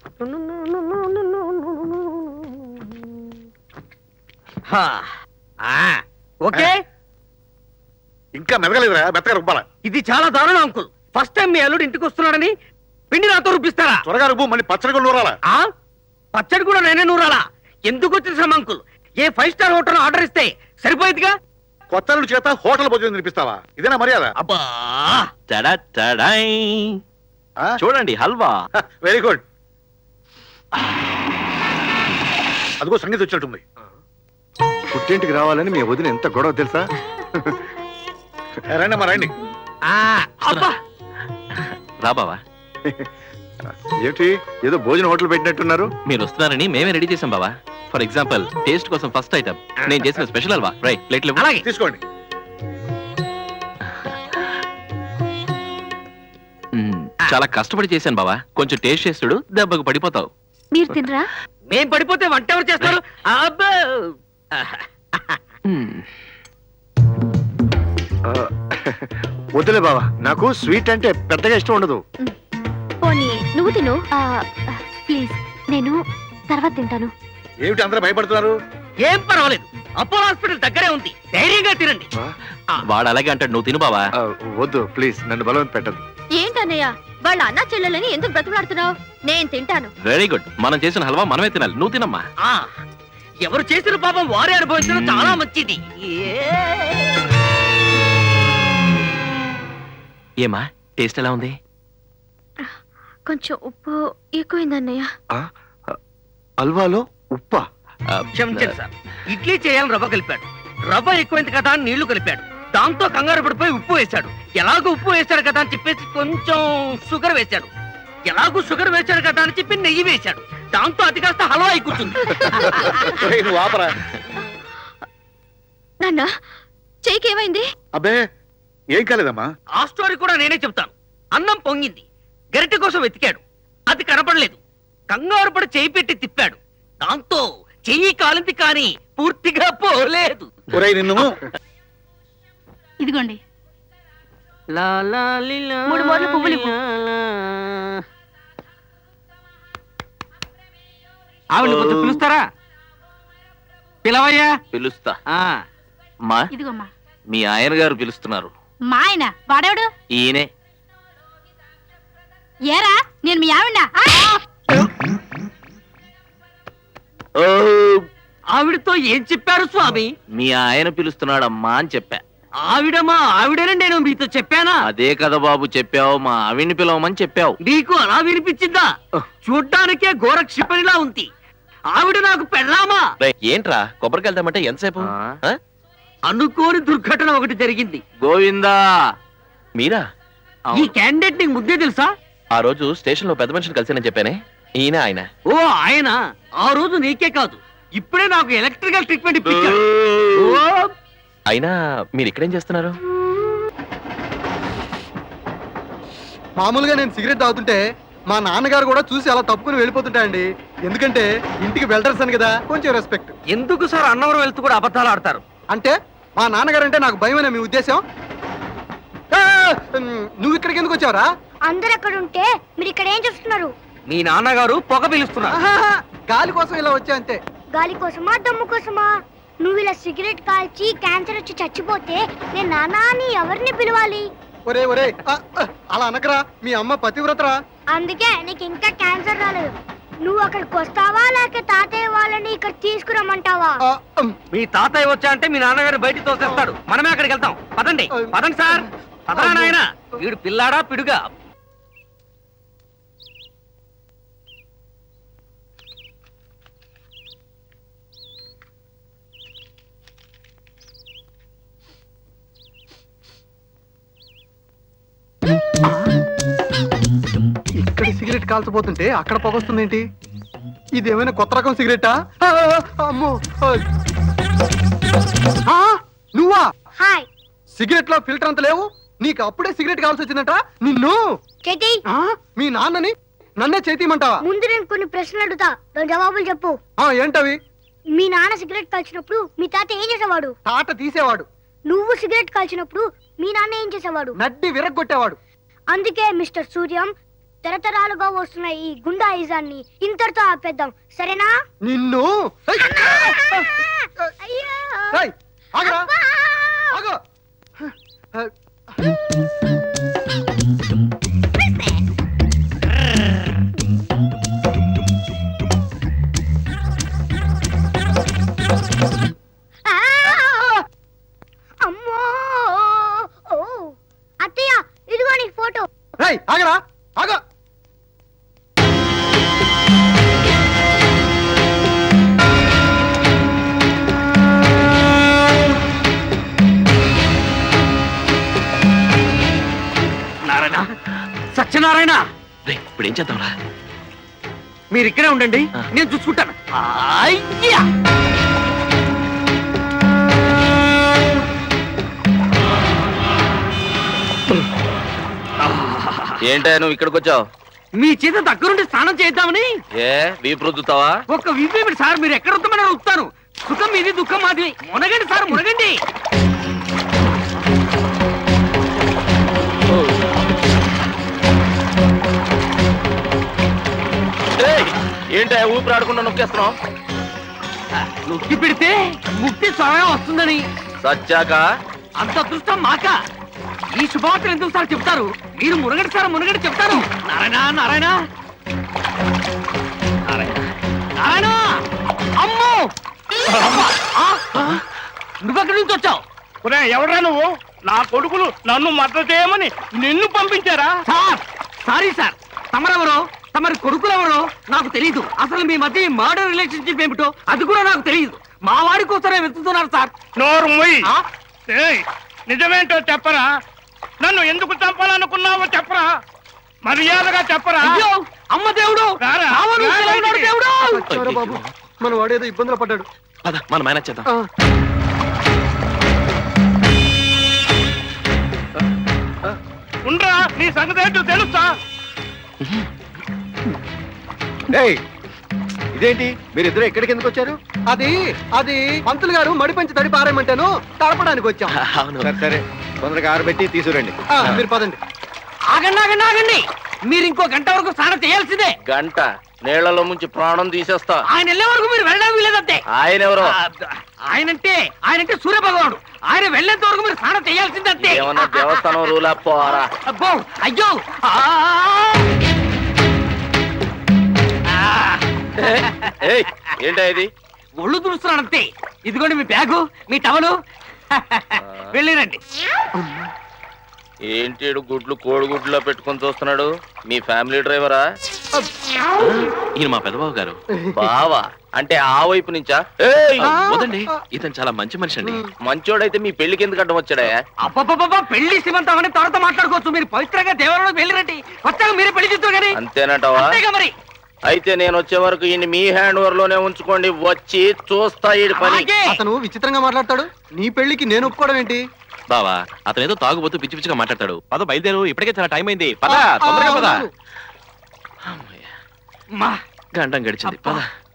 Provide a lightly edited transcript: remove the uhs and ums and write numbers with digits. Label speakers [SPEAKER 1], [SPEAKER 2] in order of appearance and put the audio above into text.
[SPEAKER 1] Okay,
[SPEAKER 2] ఇంకా మెదగలేదురా, మెత్తగా రుబ్బాలా.
[SPEAKER 1] ఇది చాలా దారుణం అంకుల్. ఫస్ట్ టైం మీ అల్లుడు ఇంటికి వస్తున్నాడని పిండి నాతో రుబ్బిస్తారా?
[SPEAKER 2] త్వరగా రుబ్బు, మళ్ళీ పచ్చడి కూడా నూరాలా.
[SPEAKER 1] పచ్చడి కూడా నేనే నూరాలా? ఎందుకు వచ్చిన శ్రమ uncle? A 5 star hotel order ఇస్తే సరిపోయేదిగా.
[SPEAKER 2] కొత్త అల్లుడి చేత హోటల్ భోజనం తినిపిస్తావా? ఇదేనా మర్యాద?
[SPEAKER 1] అబ్బా,
[SPEAKER 3] చూడండి హల్వా.
[SPEAKER 2] Very good. అదిగో సంగీతం వచ్చినట్టుంది.
[SPEAKER 4] పుట్టింటికి రావాలని మీ వదిన ఎంత గొడవ తెలుసా?
[SPEAKER 2] రండి అమ్మా, రండి.
[SPEAKER 1] అబ్బా,
[SPEAKER 3] రా బావా.
[SPEAKER 4] ఏంటి ఏదో భోజన హోటల్ పెట్టినట్టున్నారు?
[SPEAKER 3] మీరు వస్తున్నారని మేమే రెడీ చేసాం బావా. ఫర్ ఎగ్జాంపుల్ టేస్ట్ కోసం ఫస్ట్ ఐటమ్ నేను చేసిన స్పెషల్ హల్వా. రైట్, ప్లేట్లు
[SPEAKER 1] అలాగే
[SPEAKER 2] తీసుకోండి.
[SPEAKER 3] చాలా కష్టపడి చేశాను బావా. కొంచెం టేస్ట్ చేస్తుడు, దెబ్బకు పడిపోతావు.
[SPEAKER 5] మీరు తినరా?
[SPEAKER 1] మేం పడిపోతే వంట ఎవరు చేస్తారు? అబ్బా,
[SPEAKER 4] వద్దులే బావా, నాకు స్వీట్ అంటే పెద్దగా ఇష్టం ఉండదు.
[SPEAKER 5] పోనీ నువ్వు తిను. ప్లీజ్, నేను తర్వాత తింటాను.
[SPEAKER 2] ఏమిటి అందరూ భయపడుతున్నారు?
[SPEAKER 1] ఏం పర్వాలేదు, అపోలో హాస్పిటల్ దగ్గరే ఉంది, ధైర్యంగా తినండి.
[SPEAKER 3] వాడు అలాగే అంటాడు, నువ్వు తిను బావా.
[SPEAKER 4] వద్దు ప్లీజ్, నన్ను బలవంత పెట్టదు.
[SPEAKER 5] ఏంటన్నయ్య, వాళ్ళ అన్న చెల్లెలని ఎందుకు బ్రతులాడుతున్నావు? నేను తింటాను.
[SPEAKER 3] Very good. మనం చేసిన హల్వా మనమే తినాలి, నువ్వు తినమ్మా.
[SPEAKER 1] ఎవరు చేసిన పాపం వారే అనుభవించడం చాలా మంచిది.
[SPEAKER 3] ఏమా టేస్ట్ ఎలా ఉంది?
[SPEAKER 5] కొంచెం ఉప్పు ఎక్కువైందన్నయ్య.
[SPEAKER 4] హల్వాలో ఉప్పా?
[SPEAKER 1] క్షమించండి సార్, ఇడ్లీ చేయాలని రవ్వ కలిపాడు. రవ్వ ఎక్కువైంది కదా అని నీళ్లు కలిపాడు. దాంతో కంగారు పడిపోయి ఉప్పు వేశాడు. ఎలాగో ఉప్పు వేశాడు కదా అని చెప్పేసి కొంచెం షుగర్ వేశాడు. ఎలాగో షుగర్ వేశాడు కదా అని చెప్పి నెయ్యి వేశాడు. దాంతో అది కాస్త హల్వా అయి కూర్చుంది.
[SPEAKER 2] నువ్వు ఆపరా.
[SPEAKER 5] నాన్న, చెయ్యికి ఏమైంది?
[SPEAKER 2] అబ్బే ఏం కాలేదమ్మా.
[SPEAKER 1] ఆ స్టోరీ కూడా నేనే చెప్తాను. అన్నం పొంగింది, గరిటె కోసం వెతికాడు, అది కనపడలేదు. కంగారు పడి చెయ్యి పెట్టి తిప్పాడు. దాంతో చెయ్యి కాలింది కానీ పూర్తిగా పోలేదు.
[SPEAKER 2] ఒరేయ్ నిన్ను.
[SPEAKER 5] ఇదిగోండి 3 మూరలు పువ్వులు ఇవ్వు.
[SPEAKER 1] ఆవిడ కొంచెం పిలుస్తారా? పిలవయ్యా.
[SPEAKER 3] పిలుస్తా. మా
[SPEAKER 5] ఇదిగోమ్మా.
[SPEAKER 3] మీ ఆయన గారు పిలుస్తున్నారు.
[SPEAKER 5] మా ఆయన వాడేవాడు?
[SPEAKER 3] ఈయనే.
[SPEAKER 5] ఏరా, నేను మీ ఆవిడ.
[SPEAKER 1] ఆవిడతో ఏం చెప్పారు స్వామి?
[SPEAKER 3] మీ ఆయన పిలుస్తున్నాడమ్మా అని చెప్పా.
[SPEAKER 1] ఆవిడమా ఆవిడని నేను మీతో చెప్పానా?
[SPEAKER 3] అదే కదా బాబు చెప్పావు, మా ఆవిడ్ని పిలవమని చెప్పావు.
[SPEAKER 1] నీకు అలా వినిపించిందా? చూడ్డానికే ఘోర క్షిపణిలా ఉంది. ఆవిడ నాకు పెళ్ళామా?
[SPEAKER 3] ఏంట్రా కొబ్బరికి వెళ్తామంటే ఎంతసేపు?
[SPEAKER 1] అనుకోని దుర్ఘటన ఒకటి జరిగింది.
[SPEAKER 3] గోవిందా, మీరా?
[SPEAKER 1] ఈ క్యాండిడేట్ నీకు ముద్దే తెలుసా?
[SPEAKER 3] ఆ రోజు స్టేషన్ లో పెద్ద మనిషిని కలిసానని చెప్పానే, ఈయన ఆయన.
[SPEAKER 1] ఓ ఆయన, ఆ రోజు నీకే కాదు ఇప్పుడే నాకు ఎలక్ట్రికల్ ట్రీట్మెంట్ ఇప్పించాడు.
[SPEAKER 3] అయినా మీరు ఇక్కడేం చేస్తున్నారు?
[SPEAKER 6] మామూలుగా నేను సిగరెట్ తాగుతుంటే మా నాన్నగారు కూడా చూసి అలా తప్పుకుని వెళ్ళిపోతుంటాయండి. ఎందుకంటే ఇంటికి వెల్డర్స్ అని కదా, కొంచెం రెస్పెక్ట్.
[SPEAKER 1] ఎందుకు సార్ అన్నవరం వెళ్తూ కూడా అబద్ధాలు ఆడతారు?
[SPEAKER 6] అంటే మా నాన్నగారు అంటే నాకు భయమనే మీ ఉద్దేశం? నువ్వు ఇక్కడికి ఎందుకు వచ్చావరా?
[SPEAKER 7] అందరు అక్కడ ఉంటే మీరు ఇక్కడ ఏం చేస్తున్నారు?
[SPEAKER 1] మీ నాన్నగారు పొగ పిలుస్తున్నారు.
[SPEAKER 6] గాలి కోసం ఇలా వచ్చా అంతే.
[SPEAKER 7] గాలి కోసమా, దమ్ము కోసమా? నువ్వు ఇలా సిగరెట్ కాల్చి క్యాన్సర్ వచ్చి చచ్చిపోతే నేను నాన్న అని ఎవరిని పిలవాలి?
[SPEAKER 6] ఒరే ఒరే, అలా అనకరా, మీ అమ్మ పతివ్రతరా.
[SPEAKER 7] అందుకే నీకు ఇంకా క్యాన్సర్ రాలేదు. నువ్వు అక్కడికి వస్తావా లేక తాతయ్య వాళ్ళని ఇక్కడ తీసుకురమ్మంటావా?
[SPEAKER 1] మీ తాతయ్య వచ్చా అంటే మీ నాన్నగారు బయటికి తోసేస్తాడు. మనమే అక్కడికి వెళ్తాం. పదండి పదండి సార్, పదరా నాయన. వీడు పిల్లాడా పిడుగా?
[SPEAKER 6] ఇక్కడ సిగరెట్ కాల్చబోతుంటే అక్కడ పొగొస్తుంది ఏంటి? ఇదేమైనా కొత్త రకం సిగరెటా? అమ్మో, నువ్వా?
[SPEAKER 7] హాయ్.
[SPEAKER 6] సిగరెట్ లో ఫిల్టర్ అంత లేవు, నీకు అప్పుడే సిగరెట్ కావాల్సి వచ్చిందట. నిన్ను
[SPEAKER 7] చేతి.
[SPEAKER 6] మీ నాన్నని నన్నే చేతిమంటావా?
[SPEAKER 7] ముందు నేను కొన్ని ప్రశ్నలు అడుగుతా, దాని జవాబులు చెప్పు.
[SPEAKER 6] ఏంటవి?
[SPEAKER 7] మీ నాన్న సిగరెట్ కాల్చినప్పుడు మీ తాత ఏం చేసేవాడు?
[SPEAKER 6] తాట తీసేవాడు.
[SPEAKER 7] నువ్వు సిగరెట్ కాల్చినప్పుడు మీ నాన్న ఏం చేసేవాడు?
[SPEAKER 6] నడ్డి విరగ్గొట్టేవాడు.
[SPEAKER 7] అందుకే మిస్టర్ సూర్యం తరతరాలుగా వస్తున్న ఈ గుండాయిజాన్ని ఇంతటితో ఆపేద్దాం, సరేనా?
[SPEAKER 6] నిన్ను ఏయ్!
[SPEAKER 7] అయ్యో!
[SPEAKER 6] ఏయ్, ఆగురా,
[SPEAKER 7] అబ్బా!
[SPEAKER 6] ఆగు.
[SPEAKER 7] ఆ! అమ్మో! ఓ! అత్తయ్య, ఇదిగో నీ ఫోటో.
[SPEAKER 6] ఏయ్, ఆగరా, ఆగు.
[SPEAKER 1] నారాయణ, సత్యనారాయణ,
[SPEAKER 3] రే ఇప్పుడు ఏం చేద్దాంరా?
[SPEAKER 1] మీరు ఇక్కడే ఉండండి,
[SPEAKER 3] ఆ.
[SPEAKER 1] నేను చూసుకుంటాను. అయ్యా!
[SPEAKER 3] ఏంటా నువ్వు ఇక్కడికి వచ్చావు?
[SPEAKER 1] మీ చేత దగ్గరుండి స్నానం చేద్దామని.
[SPEAKER 3] ఏ వీపు రుద్దుతావా?
[SPEAKER 1] ఒక విపేమిటి సార్, మీరు ఎక్కడ వస్తామని వస్తాను. సుఖం మీది, దుఃఖం మాది. మునగండి సార్, మునగండి.
[SPEAKER 3] ఏంటా ఊపిరి ఆడకుండా నొక్కేస్తున్నావు?
[SPEAKER 1] నొక్కి పెడితే ముక్తి స్వయం వస్తుందని.
[SPEAKER 3] సచ్చాక
[SPEAKER 1] అంత అదృష్టం మాక. ఈ శుభవార్తలు ఎందుకు సార్ చెప్తారు? మీరు మునగండి సార్, మునగండి చెప్తారు. నారాయణ, నారాయణ, నారాయణ, నారాయణ! అమ్మో! నువ్వెక్కడి నుంచి వచ్చావు?
[SPEAKER 8] ఎవరా నువ్వు? నా కొడుకులు నన్ను మద్దతు చేయమని నిన్ను పంపించారా?
[SPEAKER 1] Sir, sorry sir. తమరెవరో, తమరి కొడుకులెవరో నాకు తెలియదు. అసలు మీ మధ్య మర్డర్ రిలేషన్షిప్ ఏమిటో అది కూడా నాకు తెలియదు. మా వాడి కోసమే వెతుకుతున్నారు సార్.
[SPEAKER 8] నోరు మొయ్.
[SPEAKER 1] ఆ?
[SPEAKER 8] ఏయ్, నిజమేంటో చెప్పరా? నన్ను ఎందుకు చంపాలనుకున్నావో చెప్పరా? మర్యాదగా చెప్పరా?
[SPEAKER 1] అయ్యో, అమ్మ దేవుడు!
[SPEAKER 8] రారా,
[SPEAKER 1] రావణుడు
[SPEAKER 8] రారా
[SPEAKER 1] సెలవున్నాడు
[SPEAKER 8] ఇంటికి.
[SPEAKER 1] దేవుడు!
[SPEAKER 6] వచ్చావురా బాబు, మన వాడేదో ఇబ్బందులు పడ్డాడు.
[SPEAKER 3] పద మనం మేనేజ్ చేద్దాం.
[SPEAKER 6] ఆ,
[SPEAKER 8] ఉండ్రా, నీ సంగతి ఏంటో తెలుసా?
[SPEAKER 4] ఏయ్, ఇదేంటి మీరిద్దరు ఎక్కడికి ఎందుకు వచ్చారు?
[SPEAKER 6] అది అది పంతులు గారు మడి పంచి తడి పారేయమంటాను, తడపడానికి వచ్చాం.
[SPEAKER 3] అవును.
[SPEAKER 4] సరే సరే, తొందరగా ఆరబెట్టి తీసుకురండి.
[SPEAKER 6] ఆ, మీరు పదండి.
[SPEAKER 1] ఆగండి, ఆగండి, ఆగండి. మీరు ఇంకో గంట వరకు స్నానం చేయాల్సిందే.
[SPEAKER 3] గంట నీళ్లలో ముంచి ప్రాణం తీసేస్తా.
[SPEAKER 1] ఆయన వెళ్ళే వరకు మీరు వెళ్ళడం వీలేదంతే.
[SPEAKER 3] ఆయన ఎవరో?
[SPEAKER 1] ఆయనంటే సూర్య భగవానుడు. ఆయన వెళ్ళేంత వరకు మీరు స్నానం చేయాల్సిందంతే.
[SPEAKER 3] ఏమన్నా దేవస్థానం రూలా పోరా?
[SPEAKER 1] అబ్బో, అయ్యో! ఆ! ఆ!
[SPEAKER 3] ఏయ్, ఏంటా ఇది?
[SPEAKER 1] ఒళ్ళు తుడుస్తున్నానంతే. ఇదిగోండి మీ బ్యాగు, మీ టవలు. వెళ్ళిరండి.
[SPEAKER 3] ఏంటి ఈడు గుడ్లు కోడిగుడ్లో పెట్టుకొని చూస్తున్నాడు? మీ ఫ్యామిలీ డ్రైవరా? ఈయన మా పెదబాబు గారు. బావా అంటే ఆ వైపు నుంచా? ఏయ్, వదండి, ఇతను చాలా మంచి మనిషి అండి. మంచోడైతే మీ పెళ్లికి ఎందుకు అడ్డం వచ్చాడా?
[SPEAKER 1] అబ్బబ్బబ్బబ్బా, పెళ్లి శ్రీమంతం అని తర్వాత మాట్లాడుకోవచ్చు. మీరు పవిత్రంగా దేవాలయంలోకి వెళ్ళిరండి. వచ్చాక మీరే పెళ్లి చేస్తారు కానీ.
[SPEAKER 3] అంతేనంటావా?
[SPEAKER 1] అంతేగా మరి.
[SPEAKER 3] అయితే నేను వచ్చే వరకు ఈయన మీ హ్యాండ్ ఓవర్ లోనే ఉంచుకోండి. వచ్చి చూస్తా ఈ పని.
[SPEAKER 1] అలాగే.
[SPEAKER 6] అతను విచిత్రంగా మాట్లాడతాడు. నీ పెళ్లికి నేను ఒప్పుకోవడం ఏంటి?
[SPEAKER 3] బావా అతను ఏదో తాగుబోతూ పిచ్చి పిచ్చిగా మాట్లాడతాడు. పద బయలుదేరు, ఇప్పటికే చాలా టైం అయింది. పద
[SPEAKER 6] ఆ,
[SPEAKER 3] తొందరగా పద.
[SPEAKER 6] అవును.
[SPEAKER 3] అమ్మయ్య,
[SPEAKER 1] మా
[SPEAKER 3] గంటం గడిచింది. పద.